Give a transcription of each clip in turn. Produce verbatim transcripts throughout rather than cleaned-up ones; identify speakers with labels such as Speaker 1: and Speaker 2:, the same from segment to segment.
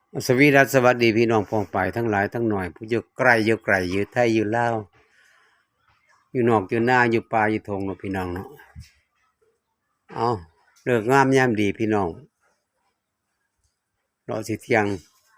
Speaker 1: สวีดัสสวัสดีพี่น้องพองไปทั้งหลายทั้งหน่อยผู้อยู่ไกลอยู่ไกลอยู่ไทยอยู่ลาวอยู่นอกอยู่หน้าอยู่ป่าอยู่ทงเนาะพี่น้องเนาะเอาเลิกงามยามดีพี่น้องรอสิเที่ยง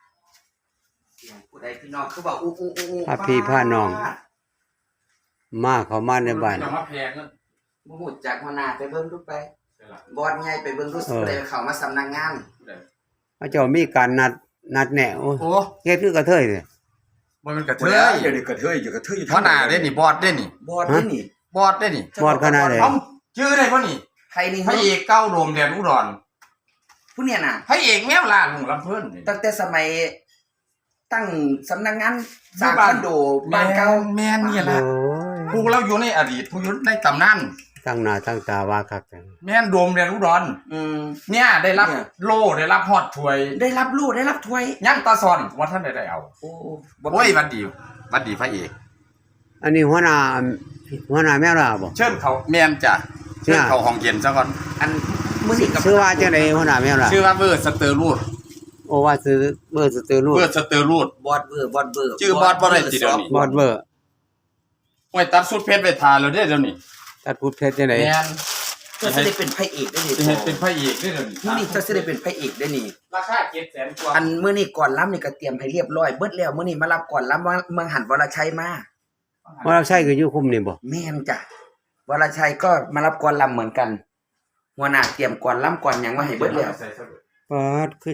Speaker 2: ผู้ใดพี่น้องคือว่าอู้อู้อู้
Speaker 1: พาพี่พาน้องมาเข้ามาในบ้าน
Speaker 3: จะมาแพงนั่น
Speaker 2: บ่ฮู้จักหัวหน้าไปเบิ่งดูไปบอสใหญ่ไปเบิ่งดูสิได้เข้ามาสำนักงาน
Speaker 1: พระเจ้ามีการนัดนัดแนะโอ้ย
Speaker 3: โอ้
Speaker 1: เฮ็ดคือกระเทยเด้
Speaker 3: บ่มันกระเท
Speaker 4: เฮ้ย
Speaker 3: ย
Speaker 4: อย่าดิกระเทยอย่ากระเทย
Speaker 3: หัวหน้าเด้นี่บอสเด้นี่
Speaker 2: บอสนี่นี่
Speaker 3: บอสเด้นี่
Speaker 1: บอดขนาดไหน
Speaker 3: เอ้าชื่อได้บ่นี่
Speaker 2: ใครนี่
Speaker 3: พระเอกเก้าโดมแดนอุดร
Speaker 2: ผู้เนี่ยน่ะ
Speaker 3: พระเอกแมวล่าลุงลำเพิ่นนี่
Speaker 2: ตั้งแต่สมัยตั้งสำนักงานสร้างคอนโดบ้านเก่า
Speaker 3: แม่นนี่
Speaker 1: โอ้
Speaker 3: ล่ะ
Speaker 1: ย
Speaker 3: ผู้เราอยู่ในอดีตผู้อยู่ในตำนาน
Speaker 1: ตั้งหน้าตั้งตาว่าคักจัง
Speaker 3: แม่นโดมแดนอุดร
Speaker 2: อืม
Speaker 3: เนี่ยได้รับ
Speaker 2: เนี่ย
Speaker 3: โล่ได้รับฮอดถ้วย
Speaker 2: ได้รับรู้ได้รับถ้วย
Speaker 3: ยังตาซอนว่าท่านได้ได้เอา
Speaker 2: โอ้
Speaker 3: โอ้ยบัดดีบัดดีพระเอก
Speaker 1: อันนี้หัวหน้าหัวหน้าแม่ล่ะบ่
Speaker 3: เชิญเขาแม่นจ้ะเชิญเขาห้องเย็นซะก่อน
Speaker 2: อันมื้อนี้กับ
Speaker 1: ชื่อว่าจังได๋หัวหน้าแม่ล่ะ
Speaker 3: ชื่อว่าเบอร์สเตอร์รูด
Speaker 1: โอ้ว่าซื้อเบอร์สเตอร์รู
Speaker 3: เบอร์สเตอร์รูด
Speaker 2: บอสเบอร์บอสเบอร์
Speaker 3: ชื่อบอสบ่ได้ติเดี๋ยวนี้
Speaker 1: บอดเบอร์
Speaker 3: โอ้ยตัดสุดเพชรไปทาแล้วเด้อเดี๋ยวนี้
Speaker 1: ตัดพูดเพชรจังได๋
Speaker 3: แม่น
Speaker 2: เจ้าสิได้เป็นพระเอกได้นี่
Speaker 3: จะให้เป็นพระเอกได้เดี๋ยวนี้
Speaker 2: มื้อนี้เจ้าสิได้เป็นพระเอกได้นี่
Speaker 3: ราคาเจ็ดแสนกว่า
Speaker 2: อันมื้อนี้ก่อนล้ำนี่ก็เตรียมให้เรียบร้อยเบิดแล้วมื้อนี้มารับก่อนล้ำว่าเมืองหันวรชัยมา
Speaker 1: ว่าเราใช่คืออยู่คุมนี่บ่
Speaker 2: แม่นจ้ะวรชัยก็มารับก่อนล้ำเหมือนกันหัวหน้าเตรียมก่อนล้ำก่อนหยังมาให้เบิดแล้ว
Speaker 1: ปาดคือ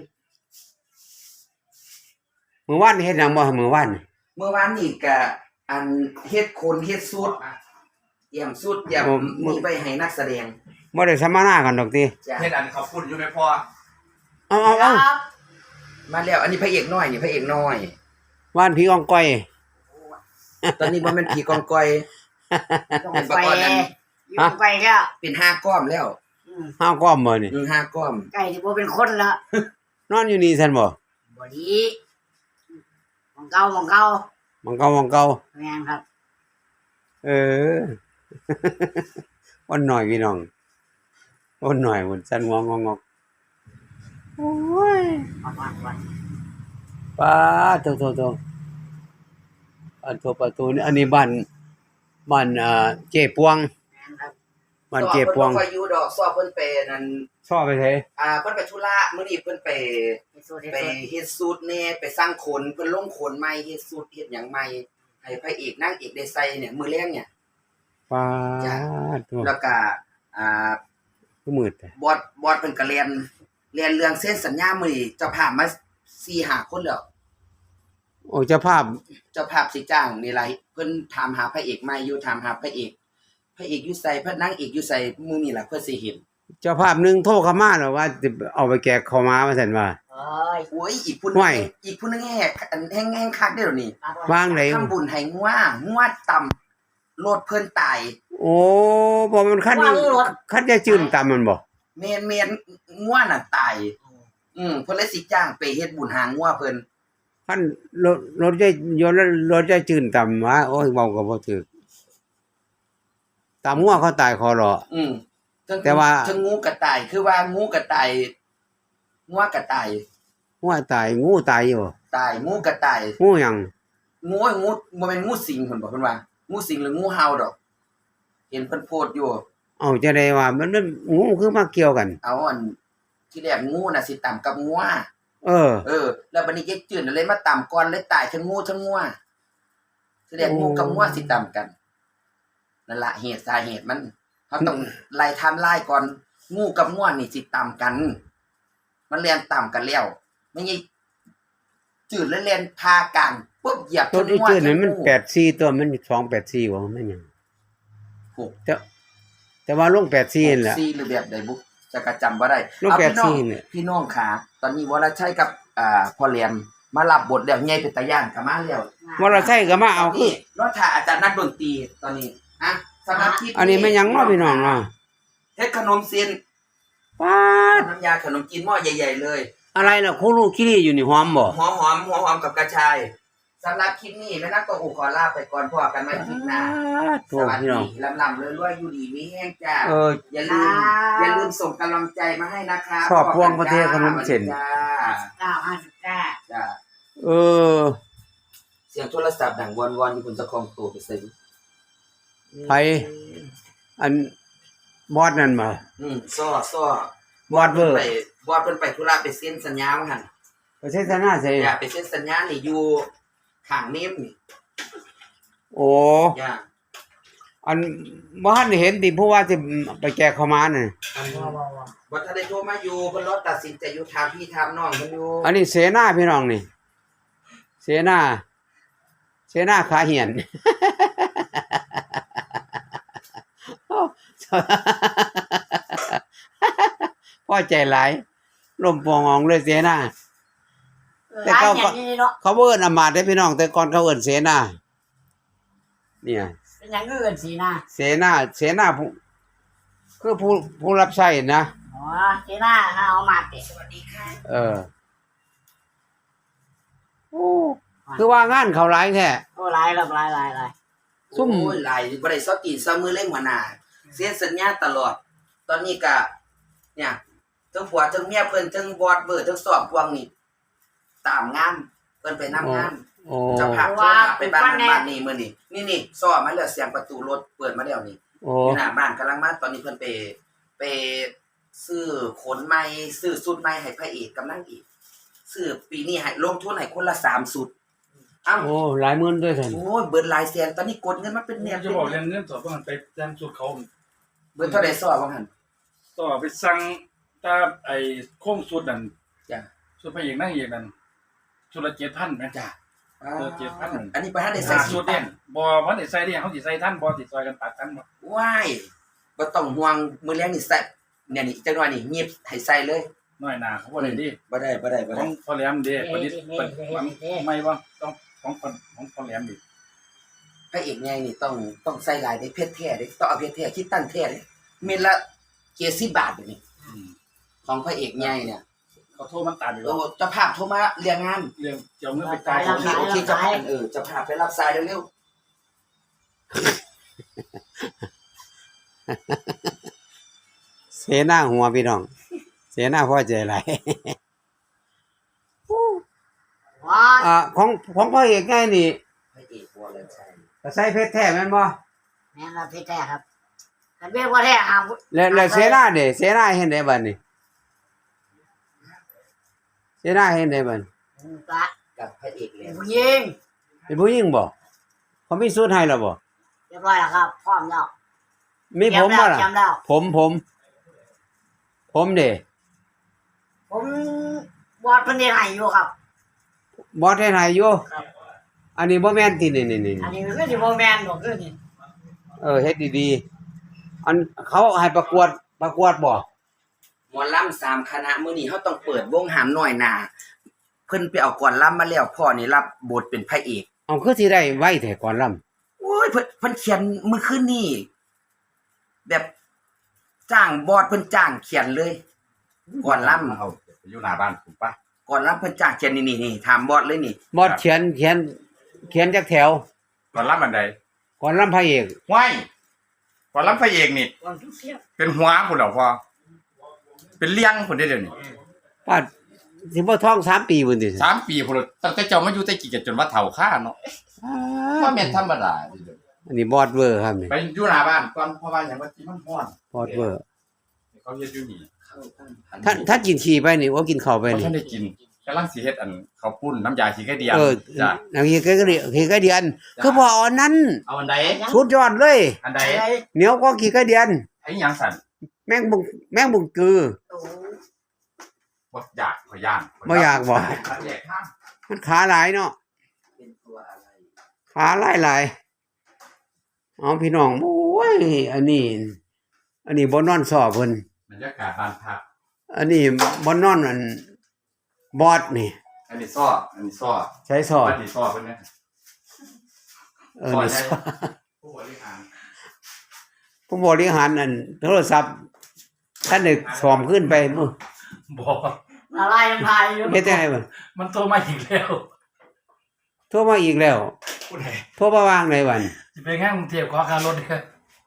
Speaker 1: มื้อวานนี่เฮ็ดหยังบ่มื้อวานนี่
Speaker 2: เมื่อวานนี่ก็อันเฮ็ดโคนเฮ็ดสูตรเตรียมสูตรเตรียมมีไปให้นักแสดง
Speaker 1: บ่ได้สัมมนากันดอกติ
Speaker 2: จ้ะ
Speaker 3: เฮ็ดอันเขาพูดอยู่ไม่พอ
Speaker 1: เอาเอาเอา
Speaker 2: มาแล้วอันนี้พระเอกน้อยนี่พระเอกน้อย
Speaker 1: ว่านพี่อองก้อย
Speaker 2: ตอนนี้บ่แม่นผีกองกอย
Speaker 5: ต้อง
Speaker 2: เป็น
Speaker 5: ไป
Speaker 2: ประกอบนั้น
Speaker 5: อยู่ไปแล้ว
Speaker 2: เป็นห้าก้อมแล้ว
Speaker 5: อืม
Speaker 1: ห้าวก้อมบ่นี่
Speaker 2: อือห้าก้อม
Speaker 5: ไก่ที่บ่เป็นคนละ
Speaker 1: นอนอยู่นี่ซั่นบ่
Speaker 5: บ่ดีมองเก่ามองเก่า
Speaker 1: มังเก่ามังเก่า
Speaker 5: แม่นครับ
Speaker 1: เออ วันหน่อยพี่น้องวันหน่อยมันสั่นงองงอกโอ้ย
Speaker 5: วันวันวัน
Speaker 1: ป้าโตโตโตอันตัวประตูนี่อันนี้บ้านบ้านอ่าเจ๊ปวง
Speaker 5: แม่นครับ
Speaker 1: บ้านเจ๊ปวง
Speaker 2: สอบเพิ่นบ่ค่อยอยู่ดอกสอบเพิ่นไปนั่น
Speaker 1: ชอบไปไส
Speaker 2: อ่าเพิ่นไปธุระมื้อนี้เพิ่นไป
Speaker 5: เฮ็ดสูตรเฮ็ด
Speaker 2: ไป
Speaker 5: สูตร
Speaker 2: เฮ็ดสูตรแหน่ไปสร้างขนเพิ่นลงขนใหม่เฮ็ดสูตรเฮ็ดหยังใหม่ให้พระเอกนางเอกได้ใส่เนี่ยมื้อแลงเนี่ย
Speaker 1: ป้าตัว
Speaker 2: แล้วก็อ่า
Speaker 1: ก็มืดแต่
Speaker 2: บอสบอสเพิ่นก็เรียนเรียนเรื่องเส้นสัญญามื้อนี้เจ้าภาพมา สี่ห้า คนแล้ว
Speaker 1: โอ้เจ้าภาพ
Speaker 2: เจ้าภาพสิจ้างนี่ไรเพิ่นถามหาพระเอกใหม่อยู่ถามหาพระเอกพระเอกอยู่ไสพระนางเอกอยู่ไสหมู่นี่ล่ะเพิ่นสิเห็น
Speaker 1: เจ้าภาพหนึงโทรเข้ามาแล้วว่าจะเอาไปแกะข้าวม้าว่าซั่นว่า
Speaker 5: เอ้ย
Speaker 2: โอ้ยอีกผู้หนึ
Speaker 1: ไหว
Speaker 2: งอีกผู้หนึงแหกอันแห้งๆคักเด้อเดี๋ยวนี้
Speaker 1: วางไหน
Speaker 2: ทำบุญให้งัวงัวต่ำโลดเพิ่นตาย
Speaker 1: โอ้บ่มันคันคันจะจื้นตามมันบ่
Speaker 2: เมนเมนงัวน่ะตายอืมเพิ่นเลยสิจ้างไปเฮ็ดบุญหางัวเพิ่น
Speaker 1: คันรถรถจะยนต์รถจะจื้นตามว่าโอ้ยเว้าก็บ่ถูกตามงัวเขาตายคอรอ
Speaker 2: อืมทั้ง
Speaker 1: แต่ว่า
Speaker 2: ทั้งงูกระต่ายคือว่างูกระต่ายงัวกระต่าย
Speaker 1: งัวตายงูตายอยู่
Speaker 2: ตายงูกระต่าย
Speaker 1: งูหยัง
Speaker 2: งูงูบ่แม่นงูสิงเพิ่นบอกเพิ่นว่างูสิงหรืองูเห่าดอก เห็นเพิ่นโพสต์อยู่
Speaker 1: เอาจะได้ว่ามันมันงูคือมาเกี่ยวกัน
Speaker 2: เอาอันที่แรกงูน่ะสิต่ำกับงัว
Speaker 1: เออ
Speaker 2: เออ แล้วบัดนี้เย็กจืดเลยมาต่ำก่อนเลยตายทั้งงูทั้งงัวที่แรกงูกับงัวสิต่ำกันนั่นล่ะเหตุสาเหตุมันเฮาต้องไล่ไทม์ไลน์ก่อนงูกับงัวนี่สิต่ำกัน มันเรียนต่ำกันแล้วไม่ใช่จืดแล้วเรียนพากลางปุ๊บเหยียบ
Speaker 1: ตัวที่
Speaker 2: งัว
Speaker 1: ชื่อนั้นมัน
Speaker 2: งู
Speaker 1: แปดสี่ตัวมันสองแปดสี่ว่ามันหยัง
Speaker 2: หก
Speaker 1: แต่แต่ว่าลงแปดสี่นั่นแหละ
Speaker 2: ซีหรือแบบใดบุจะกระจำบ่ได้
Speaker 1: ลูก
Speaker 2: เอา
Speaker 1: แปด
Speaker 2: พี่น้อง
Speaker 1: สี่เนี่ย
Speaker 2: พี่น้องขาตอนนี้วรชัยกับอ่าพ่อแหลมมารับบทแล้วใหญ่เป็นตาย่านก็มาแล้ว
Speaker 1: ว่าเราใช่ก็มาเอาคือ
Speaker 2: นี่รถถ่าอาจารย์นักดนตรีตอนนี้ฮะสำหรับคลิป
Speaker 1: อันนี้มันหยังเนาะพี่น้องเนาะ
Speaker 2: เฮ็ดขนมเซียน
Speaker 1: ป๊าด
Speaker 2: น้ำยาขนมจีนหม้อใหญ่ๆเลย
Speaker 1: อะไรน่ะคูลูคิรีอยู่นี่หอมบ่
Speaker 2: หัวหอมหัวหอมกับกระชายสำหรับคลิปนี้แม่นักก็อูขอลาไปก่อนพอกันใหม่คลิปหน้า
Speaker 1: โท
Speaker 2: สวัส
Speaker 1: พี่น้อง
Speaker 2: ดีลำๆรวยๆอยู่ดีมีแห้งจ้า
Speaker 1: เออ
Speaker 2: อย่าลืมอย่าลืมส่งกำลังใจมาให้นะคะ
Speaker 1: ชอบพวงประเทศขนมเส้น
Speaker 2: จ้า
Speaker 5: เก้าห้าสิบเก้า
Speaker 2: จ้า
Speaker 1: เออ
Speaker 2: เสียงโทรศัพท์ดังวอนๆอยู่บนเจ้าของตู้ไปซื้อ
Speaker 1: ไผอันบอดนั่นบ่
Speaker 2: อืมซ้อซ้อบ
Speaker 1: อดเวอร์
Speaker 2: ไปบอดเพิ่นไปธุระไปเซ็นสัญญาว่าหั่น
Speaker 1: ประเทศนาใส่
Speaker 2: อย่าไปเซ็นสัญญานี่อยู่ข้างเมมนี่
Speaker 1: โอ้
Speaker 2: อย่า
Speaker 1: อันบ่ทันได้เห็นติผู้ว่าสิไปแจกข้าวหมาน่ะ
Speaker 2: อัน
Speaker 5: ว้าวว้าวว้าว
Speaker 2: บ่ทันได้โทรมาอยู่เพิ่นรอตัดสินใจอยู่ถามพี่ถามน้องเพิ่นอยู่
Speaker 1: อันนี้เสนาพี่น้องนี่ เสนาเสนาขาเหียน พอใจหลายลมปององเลยเสนา แต่
Speaker 5: ร้าน
Speaker 1: เขา
Speaker 5: อ
Speaker 1: ก็
Speaker 5: ย่างนี้เนาะ
Speaker 1: เขาบ่เอิ้นอำมาตย์เด้อพี่น้อง แต่ก่อนเขาเอิ้นเสนาเนี่ย
Speaker 5: เป็นอย่างอื่นสินะ
Speaker 1: เสนาเสนาผู้คือผู้ผู้รับใช้นะ
Speaker 5: อ๋อสินะเอามาเตะ
Speaker 2: สวัสดีค่ะ
Speaker 1: เออโอ้คือว่างานเขาหลายแท้
Speaker 5: โอ้หลายแล้วหลายหลายหลาย
Speaker 1: ซุ่ม
Speaker 2: โอ้ยหลายบ่ได้ซอตีนซอมือเล่นหัวหน้าเซ็นสัญญาตลอด ตอนนี้ก็เนี่ยทั้งผัวทั้งเมียเพิ่นทั้งบอดเบอร์ทั้งสอบพวงนี่ตามงานเพิ่นไปนำงาน
Speaker 1: โอ้
Speaker 2: เจะพาพโทรหาไปบ้านนั้นบ้านนี้มื้อนี้นี่นี่ซ้อมาแล้วเสียงประตูรถเปิดมาแล้วนี่
Speaker 1: โอ้
Speaker 2: อยู่หน้าบ้านกำลังมาตอนนี้เพิ่นไปไปซื้อขนใหม่ซื้อสุดใหม่ให้พระเอกกำลังอีกซื้อปีนี้ให้ลงทุนให้คนละสามสุดอ้าว
Speaker 1: โอ้หลายหมื่นด้วยท่าน
Speaker 2: โอ้ยเบิดหลายแสนตอนนี้กดเงินมาเป็นแนว
Speaker 4: จะบอกเรื่องเงินสดว่ามันไปแจ้งสุดเขา
Speaker 2: เบิดเท่าใดซ้อว่าหั่น
Speaker 4: ต่อไปสั่งตาไอ้โค้งสุดนั่น
Speaker 2: จ้ะ
Speaker 4: สุดพระเอกนั่งเอกนั่นชุดละเจ็ดพันไหม
Speaker 2: จ้ะ
Speaker 4: เออเจ็ดพัน
Speaker 2: อันนี้บ่ทันได้ใส่
Speaker 4: ใส่
Speaker 2: สุ
Speaker 4: สุ
Speaker 2: ด
Speaker 4: ด
Speaker 2: เนี่
Speaker 4: เนี่ย ยบอวันได้ใส่เนี่ยเขาสิใส่ท่านบอติดซอยกันตัดกันบ่
Speaker 2: ว้ายบ่ต้องห่วงมื้อแลงนี่ใส่เนี่ยนี่จังหน่อยนี่หยิบให้ใส่เลย
Speaker 4: น้อยหนาเขาบ่ได้ดิ
Speaker 2: บ่ได้บ่ได้บ่
Speaker 4: ข
Speaker 2: ได้
Speaker 4: องพ่อแหลมเด้ประดิษฐ์เปิดไม่ว่าต้องของคนของพ่อแหลมดิ
Speaker 2: พระเอกใหญ่นี่ต้องต้องใส่หลายได้เพชรแท้เด้ต้องเอาเพชรแท้คิดตั้งแท้เด้เม็ดละเจ็ดสิบบาทเดี๋ยวนี้
Speaker 4: อืม
Speaker 2: ของพระเอกใหญ่เนี่ย
Speaker 4: เขาโทรมันตัดอยู่
Speaker 2: เอ
Speaker 4: แล้ว
Speaker 2: อเจ้าภาพโทรมาเรียงงาน
Speaker 4: เรื่องเจ้าเงินไปจ่าย
Speaker 2: โอเคโอเคเจ้าภาพเออเจ้าภาพไปรับสายเร็ว
Speaker 1: เสนาหัวพี่น้อง เสนาพอใจหลาย
Speaker 5: ว้า
Speaker 1: อ่าของของพ่อเอกไงนี่
Speaker 2: ๆพระเอกวอลเลนชัย
Speaker 1: ก็ใส่เพชรแท้แม่นบ่
Speaker 5: แม่นละพี่แท้ครับกันเบี้ยว่าแท้หาม
Speaker 1: แล้วแล้วเสนาเด้เสนาเฮ็ดได้บัดนี้เสนาเฮ็ดได้บัด
Speaker 5: กะ
Speaker 2: กับพระเอกเล
Speaker 5: เป็
Speaker 2: ย
Speaker 5: นผู้หญิง
Speaker 1: เป็นผู้หญิงบ่เขามีสูตรให้แล้วบ่
Speaker 5: เรียบร้อยแล้วครับพร้อมแล้ว
Speaker 1: มีผมบ่ล่ะ
Speaker 5: จำแล้ว
Speaker 1: ผมผม ผมเด้
Speaker 5: ผมบอดเพิ่นได้ให้อยู่ครับ
Speaker 1: บ่ได้ให้อยู่
Speaker 5: ครับ
Speaker 1: อันนี้บ่แม่นตินี่นี่
Speaker 5: อันนี้คือสิบ่แม่นบ่คือนี่
Speaker 1: ๆเออเฮ็ดดีๆอันเขาให้ประกวดประกวดบ่
Speaker 2: หมอลำสามคณะมื้อนี้เขาต้องเปิดวงหามหน่อยหนาเพิ่นไปเอาก่อนลำมาแล้วพ่อนี่รับบทเป็นพระเอก
Speaker 1: เอาคือสิได้ไว้แต่ก่อนล่ำ
Speaker 2: โอ้ยเพิ่นเพิ่นเขียนมื้อคืนนี้แบบจ้างบอดเพิ่นจ้างเขียนเลย ก่อนลำ
Speaker 3: เอาไปอยู่หน้าบ้านผมปะ
Speaker 2: ก่อนลำเพิ่นจ้างเขียนนี่นี่ๆถามบอดเลยนี่
Speaker 1: บอดเขียนเขียนเขียนจักแถว
Speaker 3: ก่อนรับบันได
Speaker 1: ก่อนล่ำพระเอก
Speaker 3: ห้วยก่อนรับพระเอกนี่
Speaker 5: ก่อนทุกเสียง
Speaker 3: เป็นหัวพุ่นเหรอพ่อเป็นเลี้ยงพุ่นได้เดี๋ยวนี้
Speaker 1: ป้าสิบ่ท้องสามปีพุ่นติ
Speaker 3: สามปีพุ่นแล้วตั้งแต่เจ้ามาอยู่แต่กี่กันจนว่าเฒ่าข้าเนาะว่าแม่นธรรมดาเด้อ
Speaker 1: อันนี้บอดเวอร์ครับนี่
Speaker 3: ไปอยู่หน้าบ้านก่อนเพราะว่าหยังว่าที่มันร้อน
Speaker 1: บอดเวอร์
Speaker 3: เขาเฮ็ดอยู่นี่
Speaker 2: เข้าตั้งพัน
Speaker 1: ท่านท่านกินขี้ไปนี่ว่ากินข้าวไป
Speaker 3: บ่
Speaker 1: นี่
Speaker 3: ทันได้กินกำลังสิเฮ็ดอันข้าวปุ้นน้ำยาขี้ไก่เดียว
Speaker 1: เออ
Speaker 3: จ้ะ
Speaker 1: น้ำขี้ไก่ก็เดียวขี้ไก่เดียนคือพออันนั้น
Speaker 3: เอาอันใด
Speaker 1: สุดยอดเลย
Speaker 3: อันใด
Speaker 5: อะไร
Speaker 1: เหนียวกว่าขี้ไก่เดียน
Speaker 3: ไอ้หยังสั่น
Speaker 1: แม่งบุงแม่งบุงกือ
Speaker 5: โอ้
Speaker 3: บ่อยากขอย่าน
Speaker 1: บ่อยากบ่
Speaker 3: ขัดแยกทาง
Speaker 1: มันขาหลายเนาะ
Speaker 2: เป็นตัวอะไร
Speaker 1: ขาหลายหลายเอาพี่น้องโอ้ยอันนี้ อันนี้บ่นอนสอบเพิ่น
Speaker 3: บรรยากาศบ้านพัก
Speaker 1: อันนี้บ่นอนอันบอดนี่
Speaker 3: อันนี้ซ้ออันนี้ซ้อ
Speaker 1: ใช้สอบ
Speaker 3: อันนี้ซ้อเพิ่นนะ
Speaker 1: เออนี่สอบ
Speaker 3: ผู้บริหาร
Speaker 1: ผู้บริหารอันโทรศัพท์ท่านได้สอมขึ้นไปมื้อ
Speaker 4: บอก
Speaker 5: ละลายน้ำลายอยู่
Speaker 1: เฮ็ดจังไดบ่
Speaker 4: มันโทรมาอีกแล้ว
Speaker 1: โทรมาอีกแล้ว
Speaker 4: ผู้ใด
Speaker 1: โทรมาวางในวัน
Speaker 4: สิไปงานกรุงเทพขอค่ารถเด้อ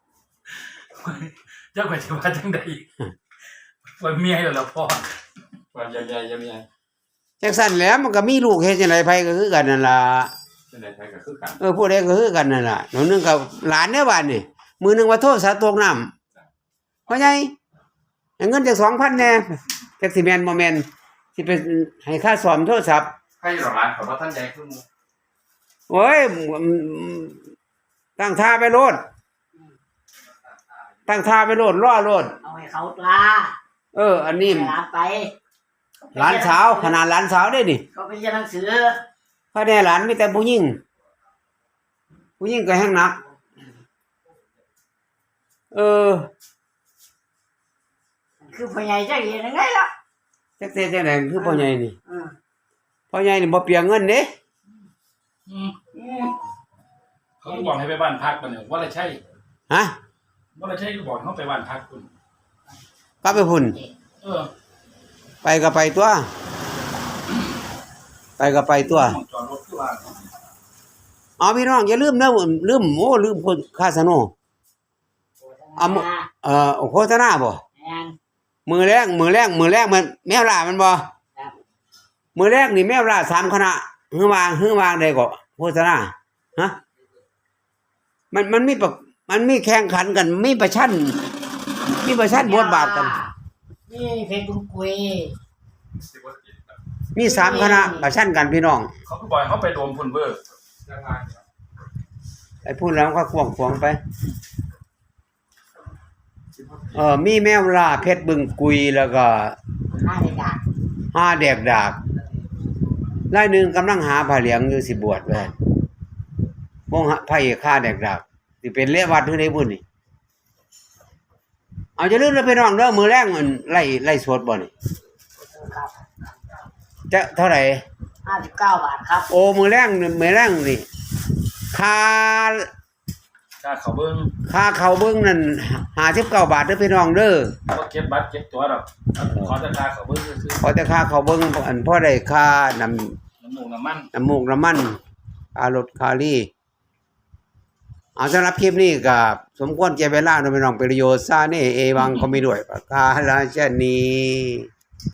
Speaker 4: เจ้าก็สิว่าจังได๋ว่าเมียแล้วล่ะพ่อ
Speaker 3: ว่าใหญ่ๆใหญ่
Speaker 1: จังซั่นแหล้วมันก็มีลูกเฮ็ดจังไดไผก็คือกันนั่นล่ะ
Speaker 3: จังได๋ไผก็คือกัน
Speaker 1: เออผู้ใดก็คือกันนั่นล่ะหนูนึงกับหลานเด้อบ้านนี่มื้อนึงว่าโทรศัพท์ตกน้ำพ่อใหญ่ให้เงินจัก สองพัน แหน่จักสิแม่นบ่แม่นสิไปให้ค่าซ่อมโทรศัพท์
Speaker 3: ใครหรอร้านเขาบ่ทันใหญ่คือหมู่
Speaker 1: โอ้ยตั้งท่าไปโลดตั้งท่าไปโลดรอโลด
Speaker 5: เอาให้เขาตา
Speaker 1: เออ อันนี้
Speaker 5: ให้หลานไป
Speaker 1: หลานสาวขนาดหลานสาวได้นี่
Speaker 5: เขาไปเรียนหนังสือ
Speaker 1: พระแน่หลานมีแต่ผู้หญิงผู้หญิงก็แห้งหนัก เออ
Speaker 5: คือพ่อใหญ่จะเรียนยังไงล่ะ
Speaker 1: จักแต่จังได๋คือพ่อใหญ่นี่
Speaker 5: อืม
Speaker 1: พ่อใหญ่นี่บ่เปียงเงินเด้
Speaker 4: อืมเขาก็บอกให้ไปบ้านพักกันเนี่ยว่าอะไรใช่
Speaker 1: ฮะ
Speaker 4: ว่าอะไรใช่ก็บอกเขาไปบ้านพักคุณ
Speaker 1: กลับไปพุ่น
Speaker 4: เออ
Speaker 1: ไปก็ไปตัว ไปก็ไปตัว
Speaker 4: มองจอดรถที่ว่า
Speaker 1: เอาพี่น้องอย่าลืมนะลืมโอ้ลืมคนคาสโน เอามือ เอ่อโฆษณาบ่
Speaker 5: แม่น
Speaker 1: มือแรกมือแรกมือแรกมันแมวล่ามันบ่
Speaker 5: ครับ
Speaker 1: มือแรกนี่แมวล่าสามคณะฮือวางฮือวางได้ก็โฆษณาฮะมันมันมีประมันมีแข่งขันกันมีประชันมีประชันบทบาทกัน
Speaker 5: นี่เพชรบุญกุย
Speaker 3: สิบ่ติดครับ
Speaker 1: มีสามคณะประชันกันพี่น้อง
Speaker 4: เขาก็บอกให้เขาไปรวมพุ่นเบอร์
Speaker 3: ยังไงครับ
Speaker 1: ไอ้พูดแล้วก็ควงควงไปเออมีแมวล่าเพชรบึงกุยแล้วก็
Speaker 5: ห้าเด็กอ่ะ
Speaker 1: ห้าแดกดากรายหนึ่งกำลังหาผ้าเหลืองอยู่สิบวชไว้วงพระเอกฆ่าแดกดากสิเป็นเลวัดหรือไดบุญนี่เอาจะลืมแล้วไปน้องเด้อมือแรงมันไล่ไล่สวดบ่นี่
Speaker 5: ครับ
Speaker 1: จะเท่าไหร่
Speaker 5: ห้าสิบเก้าบาทครับ
Speaker 1: โอ้มือแรงนี่มือแรงนี่ค่า
Speaker 4: ค่าเขาเบิ้ง
Speaker 1: ค่าเขาเบิ่งนั่นห้าสิบเก้าบาทเด้อพี่น้องเด้อ
Speaker 4: ก็เก็บบัตรเก็บตั๋วดอกขอแต่ค่าเขาเบิ้งซื้อ
Speaker 1: พอแต่ค่าเขาเบิ่งอันพอได้ค่าน้ำ
Speaker 4: น้ำมูกน้ำมัน
Speaker 1: น้ำมูกน้ำมันค่ารถค่าลี่เอาสำหรับคลิปนี้ก็สมควรแก่เวลาเนาะพี่น้องประโยชน์ซาเนเอวังก็มีด้วยประกาศราชนี